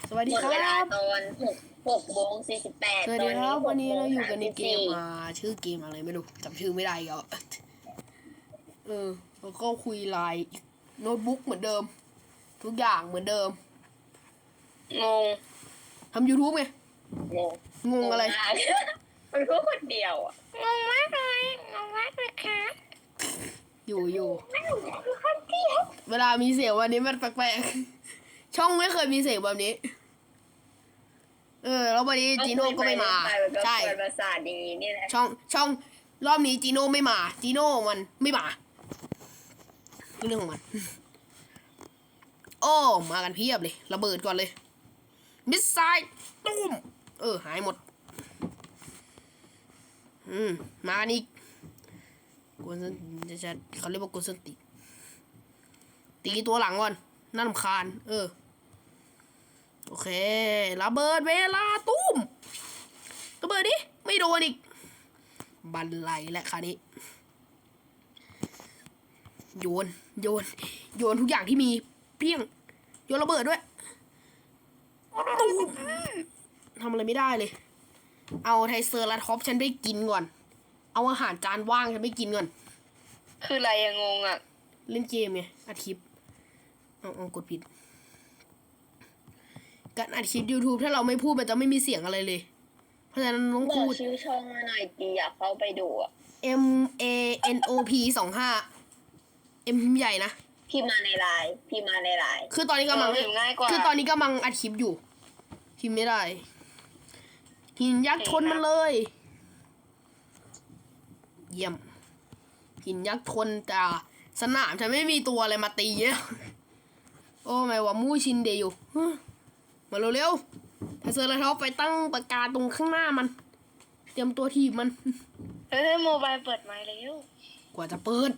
สวัสดีครัหมดเวลาบตอน6:48 สวัสดีครับวันนี้เราอยู่กันในเกม 6:34 ชื่อเกมอะไรไม่รู้จำชื่อไม่ได้อีก็แล้วก็คุยไลน์โน้ตบุ๊กเหมือนเดิม ทุกอย่างเหมือนเดิมงงทำ YouTube ไงงงงงอะไรมากมันพูดคนเดียวอ่ะงงมากเลยงงมากเลยค่ะอยู่ไม่รู้คือคนเดียวเวลามีเสียงวันนี้มันแปลกๆช่องไม่เคยมีเสียงแบบนี้ แล้ววันนี้จีโน่ก็ไม่มา ใช่เปิดประสาทอย่างนี้นี่แหละช่องรอบนี้จีโน่ไม่มาจีโน่มันไม่มาเรื่องของมัน โอ้มากันเพียบเลยระเบิดก่อนเลยมิสไซล์ตุ้มหายหมดมากันอีกกวนจะเขาเรียกว่ากวนส้นตีตัวหลังก่อนน่ารำคาญโอเคระเบิดเวลาตุ้มระเบิดดิไม่โดนอีกบันไลและคราวนี้โยนทุกอย่างที่มีเปี้ยงโยนระเบิดด้วยตุ้มทำอะไรไม่ได้เลยเอาไทเซอร์ลาท็อปฉันไปกินก่อนเอาอาหารจานว่างฉันไปกินก่อนคืออะไรอะงงอ่ะเล่นเกมไงอัดคลิปเอากดผิดการอัดคลิป YouTube ถ้าเราไม่พูดมันจะไม่มีเสียงอะไรเลยเพราะฉะนั้นต้องบอพูกดชื่อช่องมาหน่อยดีอยากเข้าไปดูอ่ะ MANOP 25 M ใหญ่นะพี่มาในไลน์คือตอนนี้กำลังพิมพ์ง่ายกว่าคือตอนนี้กำลังอัดคลิปอยู่พิมพ์ไม่ได้หินยักษ์ชนมันเลยเยี่ยมหินยักษ์ชนแต่สนามฉันไม่มีตัวอะไรมาตีเนี่ยโอ้ไม่ว่ามู่ชินเดอยู่มาเร็วๆถ้าเซอร์ไลท็อปไปตั้งปากกาตรงข้างหน้ามันเตรียมตัวทีบมันเฮ้ยโมบายเปิดไมค์แล้วกว่าจะเปิด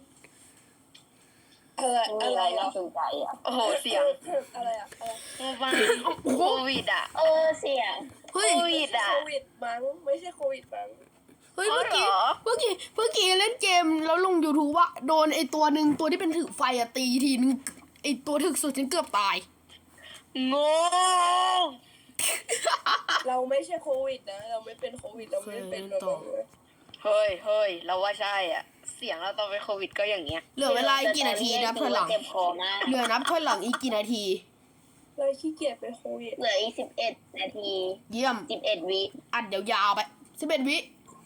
อะไรน่าสนใจอ่ะโอ้โหเสียงอะไรอ่ะโมบายโควิดอ่ะเสียงเฮ้ยโควิดอ่ะโควิดมั้งไม่ใช่โควิดมั้งเฮ้ยเมื่อกี้เล่นเกมแล้วลง YouTube ว่าโดนไอตัวหนึ่งตัวที่เป็นถือไฟอะตีทีนึงไอตัวถึกสุดฉันเกือบตายงงเราไม่ใช่โควิดนะเราไม่เป็นโควิดเราไม่ได้เป็นแบบนั้นนะเฮ้ยเราว่าใช่อ่ะเสียงเราตอนเป็นโควิดก็อย่างเงี้ยเหลือเวลาอีกกี่นาทีนับถอยหลังเจ็บคอมากเหลือนับถอยหลังอีกกี่นาทีเราขี้เกียจเป็นโควิดเหลืออีก11 นาทีเยี่ยม 11 วิอัดยาวๆไป11 วิ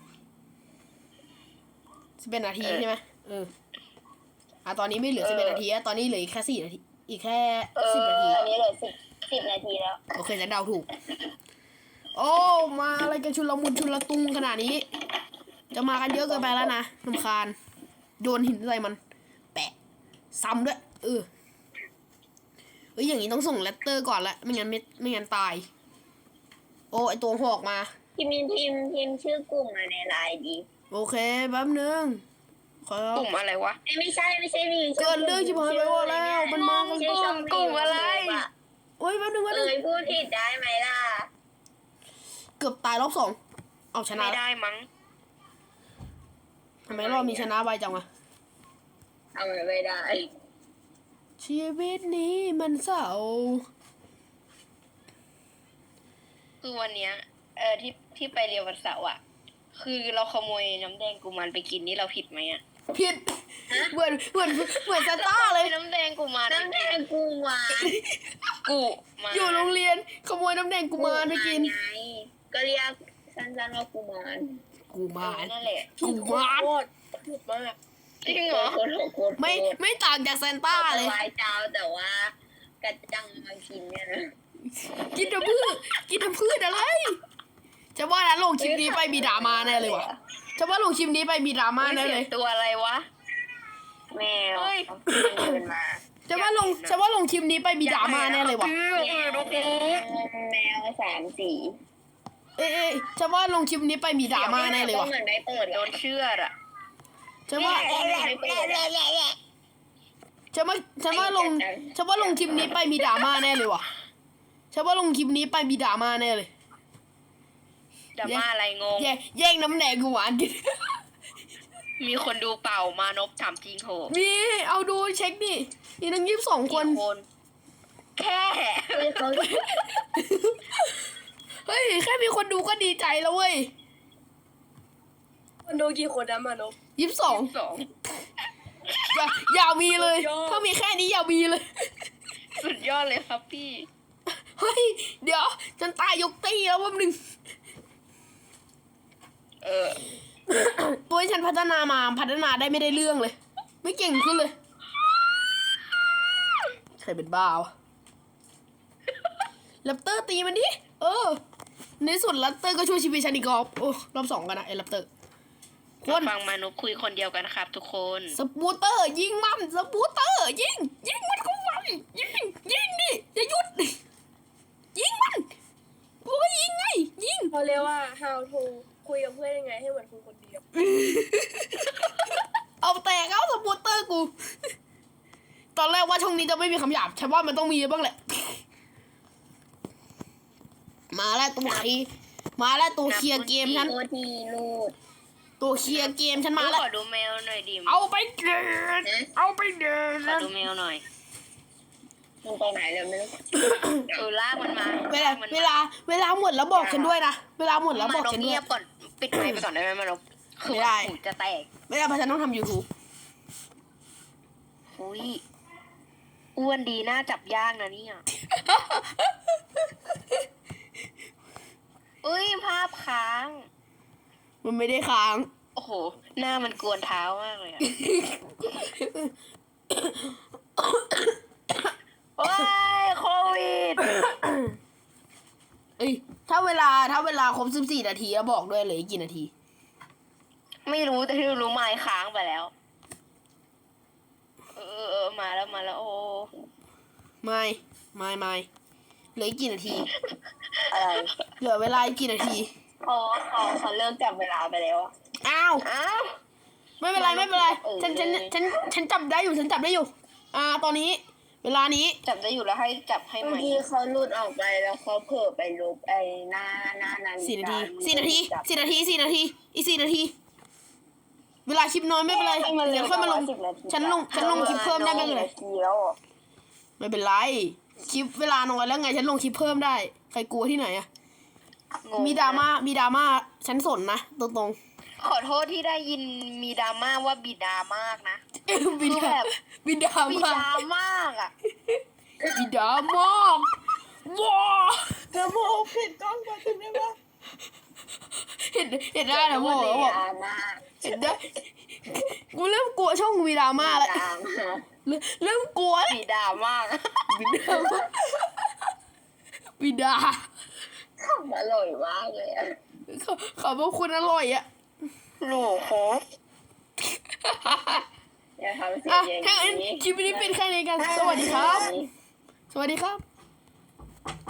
11 นาทีใช่ไหมตอนนี้ไม่เหลือ11 นาทีตอนนี้เหลืออีกแค่4 นาทีอีกแค่10 นาทีอันนี้เหลือ10 นาทีแล้วโอเคฉันเดาถูก โอ้มาอะไรกันชุลมุนชุลตุงขนาดนี้ จะมากันเยอะเกินไปแล้วนะรำคาญโยนหินใส่มัน แปะซ้ำด้วยอย่างนี้ต้องส่งเลตเตอร์ก่อนละไม่งั้นตาย โอ้ไอตัวหอกมาพิมพ์ชื่อกลุ่มมาในไลน์ดีโอเคแป๊บนึงขอกลุ่มอะไรวะไม่ใช่มีเกิดเรื่องชิบหายไปหมดแล้วมันมากันชื่อช่องกลุ่มอะไรโอ้ยแป๊บนึงพูดผิดได้ไหมล่ะเกือบตายรอบ 2เอาชนะไม่ได้มั้งทำไมรอบนี้ชนะไวจังวะทำไม่ได้ชีวิตนี้มันเศร้าคือวันเนี้ยที่ไปเรียนวันเสาร์อ่ะคือเราขโมยน้ำแดงกุมารไปกินนี่เราผิดไหมอ่ะผิดเหมือนซานต้าเลยน้ำแดงกุมารน้ำแดงกุมารกุมารอยู่โรงเรียนขโมยน้ำแดงกุมารไปกินไงก็เรียกสั้นๆว่ากุมารกุมารนั่นแหละกุมารโคตรผิดมากจริงเหรอไม่ต่างจากซานต้าเลยถวายเจ้าแต่ว่ากระจังมากินเนี่ยนะกินทำพืชอะไรจะว่านะลงคลิปนี้ไปมีดราม่าแน่เลยวะจะว่าลงคลิปนี้ไปมีดราม่าแน่เลยตัวอะไรวะแมวเดินมาจะว่าลงคลิปนี้ไปมีดราม่าแน่เลยวะแมว3 สีจะว่าลงคลิปนี้ไปมีดราม่าแน่เลยวะเหมือนได้เปิดโดนเชื่อดอ่ะจะว่าลงคลิปนี้ไปมีดราม่าแน่เลยวะจะว่าลงคลิปนี้ไปมีดราม่าแน่เลยดราม่าอะไรงงแย่งน้ำแดงกูหวานกินมีคนดูเปล่ามานพถามจริงโหมีเอาดูเช็คดิมีทั้ง22 คนแค่เขาเฮ้ยแค่มีคนดูก็ดีใจแล้วเว้ยคนดูกี่คนนะมานพ 22 2 อย่ามีเลยสุดยอดถ้ามีแค่นี้อย่ามีเลยสุดยอดเลยครับพี่เฮ้ย เดี๋ยวฉันตายยกตีแล้วแป๊บนึง ตัวที่ฉันพัฒนาได้ไม่ได้เรื่องเลย ไม่เก่งขึ้นเลย ใครเป็นบ้าวะแรปเตอร์ตีมันดิ ในที่สุดแรปเตอร์ก็ช่วยชีวิตฉันอีกรอบโอ้รอบ2กันนะไอ้แรปเตอร์คนฟังมนุษย์คุยคนเดียวกันครับทุกคนสปูเตอร์ยิงมันสปูเตอร์ยิงมันเข้าไปยิงดิอย่าหยุดยิงมันกูก็ยิงไงยิงเขาเรียกว่า how to คุยกับเพื่อนยังไงให้เหมือนคุยคนเดียวเอาแตกเอาสปูเตอร์กู ตอนแรกว่าช่องนี้จะไม่มีคำหยาบฉันว่ามันต้องมีบ้างแหละ มาแล้วตัวเคลียร์เกมฉันโคตรดีลูดตัวเคลียร์เกมฉันมาแล้วขอดูแมวหน่อยดิเอาไปเดินเอาไปเดิขอน ดูแมวหน่อยมึงไปไหนเลยไม่รู้ลากมันมาเวลาหมดแล้วบอกฉันด้วยนะเวลาหมดแล้วบอกมันฉันด้วเงียยบก่อนปิดไมค์ไปก่อนได้ไหมมันคือไม่ได้หูจะแตกไม่ได้เพราะฉันต้องทำ YouTube อุ้ยอ้วนดีน่าจับย่างนะเนี่ยอุ้ยภาพค้างมันไม่ได้ค้างโอ้โห หน้ามันกวนเท้ามากเลยอะว้ายโควิดเอ้ยถ้าเวลาครบ14 นาทีอะบอกด้วยเลยกี่นาทีไม่รู้แต่ที่รู้ไม้ค้างไปแล้ว มาแล้ว โอ้ไม่เหลืออีกกี่นาทีอะไรเหลือเวลาอีกกี่นาทีเขาเลิกจับเวลาไปแล้วอะอ้าวอ้าวไม่เป็นไรฉันจับได้อยู่ตอนนี้ เวลานี้จับได้อยู่แล้วให้จับให้ใหเมื่ม่อกี้เขาหลุดออกไปแล้วเขาเผลอไปลบไอ้หน้านาฬิ 4 นาทีกา 4 นาที 4 นาที 4 นาที อีก 4 นาที เวลาคลิปน้อยไม่เป็นไรเดี๋ยวค่อยมาลง ฉันลงคลิปเพิ่มได้ไม่เป็นไรนาทีแล้วอะไม่เป็นไร คลิปเวลาน้อยแล้วไง ฉันลงคลิปเพิ่มได้ ใครกลัวที่ไหนอะงงมีดราม่าฉันสนนะตรงขอโทษที่ได้ยินมีดราม่าว่าบิดามากนะๆบิดาบิดามากอ่ะบิดามากว้าเธอโมผิดกล้องมาถึงได้ปะเห็นได้นะโมว่าบอกดราม่าเห็นได้กูเริ่มกลัวช่องมีดราม่าแล้วดราม่าเริ่มกลัวแล้วบิดามากบิดาขำอร่อยมากเลยอะขอบคุณอร่อยอะหนูโคตรอย่าทำเสียอ่ะงอย่างถ้างั้นนี้คลิปนี้เป็นแค่นี้กัน สวัสดีครับ สวัสดีครับ